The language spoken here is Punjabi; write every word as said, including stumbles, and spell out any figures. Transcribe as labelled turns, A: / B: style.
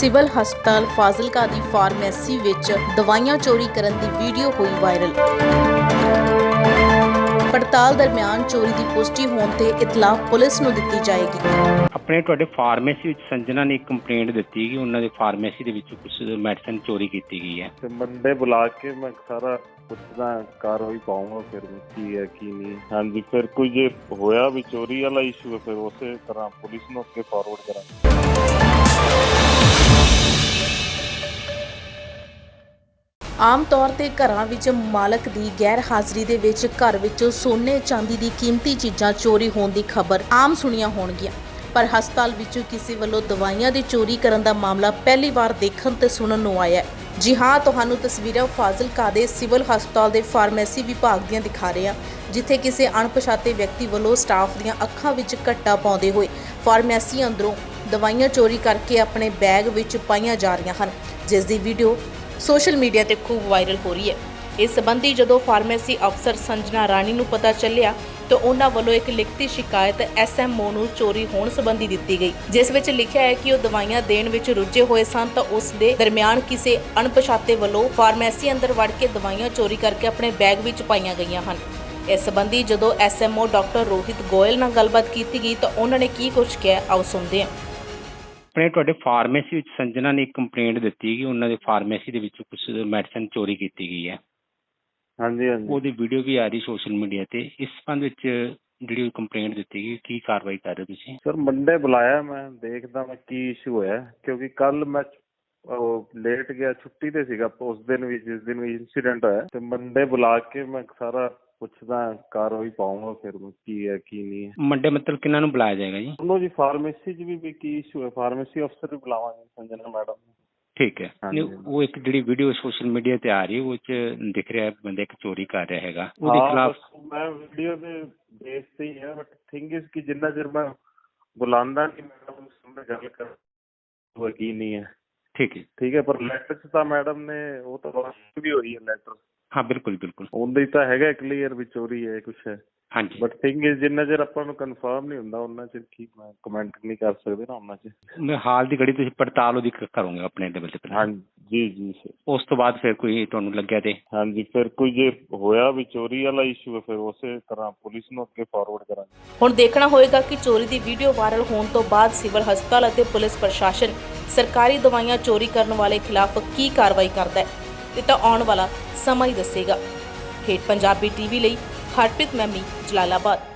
A: ਸਿਵਲ ਹਸਪਤਾਲ ਫਾਜ਼ਿਲਕਾ ਦੀ ਫਾਰਮੇਸੀ ਵਿੱਚ ਦਵਾਈਆਂ ਚੋਰੀ ਕਰਨ ਦੀ ਵੀਡੀਓ ਹੋਈ ਵਾਇਰਲ। ਪੜਤਾਲ ਦਰਮਿਆਨ ਚੋਰੀ ਦੀ ਪੁਸ਼ਟੀ ਹੋਣ ਤੇ ਇਤਲਾਹ ਪੁਲਿਸ ਨੂੰ ਦਿੱਤੀ ਜਾਏਗੀ।
B: ਆਪਣੇ ਤੁਹਾਡੇ ਫਾਰਮੇਸੀ ਵਿੱਚ ਸੰਜਨਾ ਨੇ ਇੱਕ ਕੰਪਲੇਂਟ ਦਿੱਤੀ ਕਿ ਉਹਨਾਂ ਦੇ ਫਾਰਮੇਸੀ ਦੇ ਵਿੱਚ ਕੁਝ ਮੈਡੀਸਨ ਚੋਰੀ ਕੀਤੀ ਗਈ ਹੈ।
C: ਤੇ ਬੰਦੇ ਬੁਲਾ ਕੇ ਮੈਂ ਸਾਰਾ ਪੁੱਛਦਾ ਕਾਰਵਾਈ ਪਾਉਂਗਾ ਫਿਰ ਕੀ ਹੈ ਕੀ ਨਹੀਂ। ਹਾਂਜੀ, ਫਿਰ ਕੋਈ ਜੇ ਹੋਇਆ ਵੀ ਚੋਰੀ ਵਾਲਾ ਇਸ਼ੂ ਹੈ ਫਿਰ ਉਸੇ ਤਰ੍ਹਾਂ ਪੁਲਿਸ ਨੂੰ ਅੱਗੇ ਫਾਰਵਰਡ ਕਰਾਂਗੇ।
A: ਆਮ ਤੌਰ ਤੇ ਘਰਾਂ ਵਿੱਚ ਮਾਲਕ ਦੀ ਗੈਰ ਹਾਜ਼ਰੀ ਦੇ ਵਿੱਚ ਘਰ ਵਿੱਚੋਂ ਸੋਨੇ ਚਾਂਦੀ ਦੀ ਕੀਮਤੀ ਚੀਜ਼ਾਂ ਚੋਰੀ ਹੋਣ ਦੀ ਖਬਰ ਆਮ ਸੁਣੀਆਂ ਹੋਣਗੀਆਂ, ਪਰ ਹਸਪਤਾਲ ਵਿੱਚੋਂ ਕਿਸੇ ਵੱਲੋਂ ਦਵਾਈਆਂ ਦੀ ਚੋਰੀ ਕਰਨ ਦਾ ਮਾਮਲਾ ਪਹਿਲੀ ਵਾਰ ਦੇਖਣ ਤੇ ਸੁਣਨ ਨੂੰ ਆਇਆ ਹੈ। ਜੀ ਹਾਂ, ਤੁਹਾਨੂੰ ਤਸਵੀਰਾਂ ਫਾਜ਼ਿਲਕਾ ਦੇ ਸਿਵਲ ਹਸਪਤਾਲ ਦੇ ਫਾਰਮੇਸੀ ਵਿਭਾਗ ਦੀਆਂ ਦਿਖਾ ਰਹੇ ਹਾਂ, ਜਿੱਥੇ ਕਿਸੇ ਅਣਪਛਾਤੇ ਵਿਅਕਤੀ ਵੱਲੋਂ ਸਟਾਫ ਦੀਆਂ ਅੱਖਾਂ ਵਿੱਚ ਘੱਟਾ ਪਾਉਂਦੇ ਹੋਏ ਫਾਰਮੇਸੀ ਅੰਦਰੋਂ ਦਵਾਈਆਂ ਚੋਰੀ ਕਰਕੇ ਆਪਣੇ ਬੈਗ ਵਿੱਚ ਪਾਈਆਂ ਜਾ ਰਹੀਆਂ ਹਨ, ਜਿਸ ਦੀ ਵੀਡੀਓ ਸੋਸ਼ਲ ਮੀਡੀਆ ਤੇ ਖੂਬ ਵਾਇਰਲ ਹੋ ਰਹੀ ਹੈ। ਇਸ ਸੰਬੰਧੀ ਜਦੋਂ ਫਾਰਮੇਸੀ ਅਫਸਰ ਸੰਜਨਾ ਰਾਣੀ ਨੂੰ ਪਤਾ ਚੱਲਿਆ ਤਾਂ ਉਹਨਾਂ ਵੱਲੋਂ ਇੱਕ ਲਿਖਤੀ ਸ਼ਿਕਾਇਤ ਐਸ ਐਮ ਓ ਨੂੰ ਚੋਰੀ ਹੋਣ ਸੰਬੰਧੀ ਦਿੱਤੀ ਗਈ, ਜਿਸ ਵਿੱਚ ਲਿਖਿਆ ਹੈ ਕਿ ਉਹ ਦਵਾਈਆਂ ਦੇਣ ਵਿੱਚ ਰੁੱਝੇ ਹੋਏ ਸਨ ਤਾਂ ਉਸ ਦੇ ਦਰਮਿਆਨ ਕਿਸੇ ਅਣਪਛਾਤੇ ਵੱਲੋਂ ਫਾਰਮੇਸੀ ਅੰਦਰ ਵੜ ਕੇ ਦਵਾਈਆਂ ਚੋਰੀ ਕਰਕੇ ਆਪਣੇ ਬੈਗ ਵਿੱਚ ਪਾਈਆਂ ਗਈਆਂ ਹਨ। ਇਸ ਸੰਬੰਧੀ ਜਦੋਂ S M O doctor Rohit Goyal ਨਾਲ ਗੱਲਬਾਤ ਕੀਤੀ ਗਈ ਤਾਂ ਉਹਨਾਂ ਨੇ ਕੀ ਕੁਝ ਕਿਹਾ, ਆਓ ਸੁਣਦੇ ਹਾਂ।
B: ਆਪਣੇ ਤੁਹਾਡੇ ਫਾਰਮੇਸੀ ਵਿੱਚ ਸੰਜਨਾ ਨੇ ਇੱਕ ਕੰਪਲੇਂਟ ਦਿੱਤੀ ਕਿ ਉਹਨਾਂ ਦੇ ਫਾਰਮੇਸੀ ਦੇ ਵਿੱਚ ਕੁਝ ਮੈਡੀਸਨ ਚੋਰੀ ਕੀਤੀ ਗਈ ਹੈ।
C: ਹਾਂਜੀ ਹਾਂਜੀ,
B: ਉਹਦੀ ਵੀਡੀਓ ਵੀ ਆ ਰਹੀ ਸੋਸ਼ਲ ਮੀਡੀਆ ਤੇ। ਇਸ ਸੰਬੰਧ ਵਿੱਚ ਜਿਹੜੀ ਕੰਪਲੇਂਟ ਦਿੱਤੀ ਗਈ, ਕੀ ਕਾਰਵਾਈ ਕਰ ਰਹੇ ਤੁਸੀਂ?
C: ਸਰ ਮੰਡੇ ਬੁਲਾਇਆ, ਮੈਂ ਦੇਖਦਾ ਮੈਂ ਕੀ ਇਸ਼ੂ ਹੋਇਆ, ਕਿਉਂਕਿ ਕੱਲ ਮੈਂ ਲੇਟ ਗਿਆ, ਛੁੱਟੀ ਤੇ ਸੀਗਾ ਉਸ ਦਿਨ ਵੀ ਜਿਸ ਦਿਨ ਵੀ ਇੰਸੀਡੈਂਟ ਹੋਇਆ। ਤੇ ਮੰਡੇ ਬੁਲਾ ਕੇ ਮੈਂ ਸਾਰਾ ਪੁੱਛਦਾ ਕਾਰਵਾਈ ਪਾਉਂਗਾ ਫਿਰ ਕੀ ਹੈ ਕੀ ਨਹੀਂ ਹੈ।
B: ਮੰਡੇ ਮਤਲਬ ਕਿਹਨਾਂ ਨੂੰ ਬੁਲਾਇਆ ਜਾਏਗਾ ਜੀ?
C: ਉਹਨੂੰ ਜੀ ਫਾਰਮੇਸੀ 'ਚ ਵੀ ਵੀ ਕੀ ਇਸ਼ੂ ਹੈ, ਫਾਰਮੇਸੀ ਅਫਸਰ ਵੀ ਬੁਲਾਵਾਂਗੇ ਸੰਜਨਾ ਮੈਡਮ ਨੂੰ।
B: ਠੀਕ ਹੈ। ਉਹ ਇੱਕ ਜਿਹੜੀ ਵੀਡੀਓ ਸੋਸ਼ਲ ਮੀਡੀਆ ਤੇ ਆ ਰਹੀ ਹੈ ਉਹ 'ਚ ਦਿਖ ਰਿਹਾ ਬੰਦਾ ਇੱਕ ਚੋਰੀ ਕਰ ਰਿਹਾ ਹੈਗਾ, ਉਹਦੇ ਖਿਲਾਫ
C: ਮੈਂ ਵੀਡੀਓ ਦੇ ਬੇਸ ਤੇ ਹੀ ਹੈ, ਬਟ ਥਿੰਗ ਇਸ ਕਿ ਜਿੰਨਾ ਚਿਰ ਮੈਂ ਬੁਲਾਉਂਦਾ ਨਹੀਂ ਮੈਡਮ ਸਾਹਮਣੇ ਗੱਲ ਕਰ ਉਹ ਕੀ ਨਹੀਂ ਹੈ।
B: ਠੀਕ ਹੈ
C: ਠੀਕ ਹੈ, ਪਰ ਲੈਟਰ 'ਚ ਤਾਂ ਮੈਡਮ ਨੇ ਉਹ ਤਾਂ ਵਾਸ਼ਿੰਗ ਵੀ ਹੋਈ ਹੈ ਲੈਟਰ।
B: ਹਾਂ ਬਿਲਕੁਲ ਬਿਲਕੁਲ,
C: ਉਹਦੇ ਤਾਂ ਹੈਗਾ ਕਲੀਅਰ ਵੀ ਚੋਰੀ ਹੈ ਕੁਛ ਹੈ।
B: ਹਾਂਜੀ,
C: ਬਟ ਥਿੰਗ ਇਸ ਜਿੰਨਾ ਚਿਰ ਆਪਾਂ ਨੂੰ ਕਨਫਰਮ ਨਹੀਂ ਹੁੰਦਾ ਉਹਨਾਂ ਚਿਰ ਕੀ ਮੈਂ ਕਮੈਂਟ ਨਹੀਂ ਕਰ ਸਕਦੇ ਨਾ ਉਹਨਾਂ 'ਚ।
B: ਮੈਂ ਹਾਲ ਦੀ ਘੜੀ ਤੁਸੀਂ ਪੜਤਾਲ ਉਹਦੀ ਕਰੋਗੇ ਆਪਣੇ ਲੈਵਲ ਤੇ?
C: ਹਾਂਜੀ ਜੀ ਜੀ ਸਰ।
B: ਉਸ ਤੋਂ ਬਾਅਦ ਫਿਰ ਕੋਈ ਤੁਹਾਨੂੰ ਲੱਗਿਆ ਤੇ?
C: ਹਾਂਜੀ, ਫਿਰ ਕੋਈ ਜੇ ਹੋਇਆ ਵੀ ਚੋਰੀ ਵਾਲਾ ਇਸ਼ੂ ਹੈ ਫਿਰ ਉਸੇ ਤਰ੍ਹਾਂ ਪੁਲਿਸ ਨੂੰ ਅੱਗੇ ਫਾਰਵਰਡ ਕਰਾਂਗੇ।
A: ਹੁਣ ਦੇਖਣਾ ਹੋਏਗਾ ਕਿ ਚੋਰੀ ਦੀ ਵੀਡੀਓ ਵਾਇਰਲ ਹੋਣ ਤੋਂ ਬਾਅਦ ਸਿਵਲ ਹਸਪਤਾਲ ਅਤੇ ਪੁਲਿਸ ਪ੍ਰਸ਼ਾਸਨ ਸਰਕਾਰੀ ਦਵਾਈਆਂ ਚੋਰੀ ਕਰਨ ਵਾਲੇ ਖਿਲਾਫ ਕੀ ਕਾਰਵਾਈ ਕਰਦਾ ਹੈ, ਇਹ ਤਾਂ ਆਉਣ ਵਾਲਾ ਸਮਾਂ ਹੀ ਦੱਸੇਗਾ। ਹੇਠ ਪੰਜਾਬੀ ਟੀਵੀ ਲਈ ਹਰਪ੍ਰੀਤ ਮੈਮੀ, ਜਲਾਲਾਬਾਦ।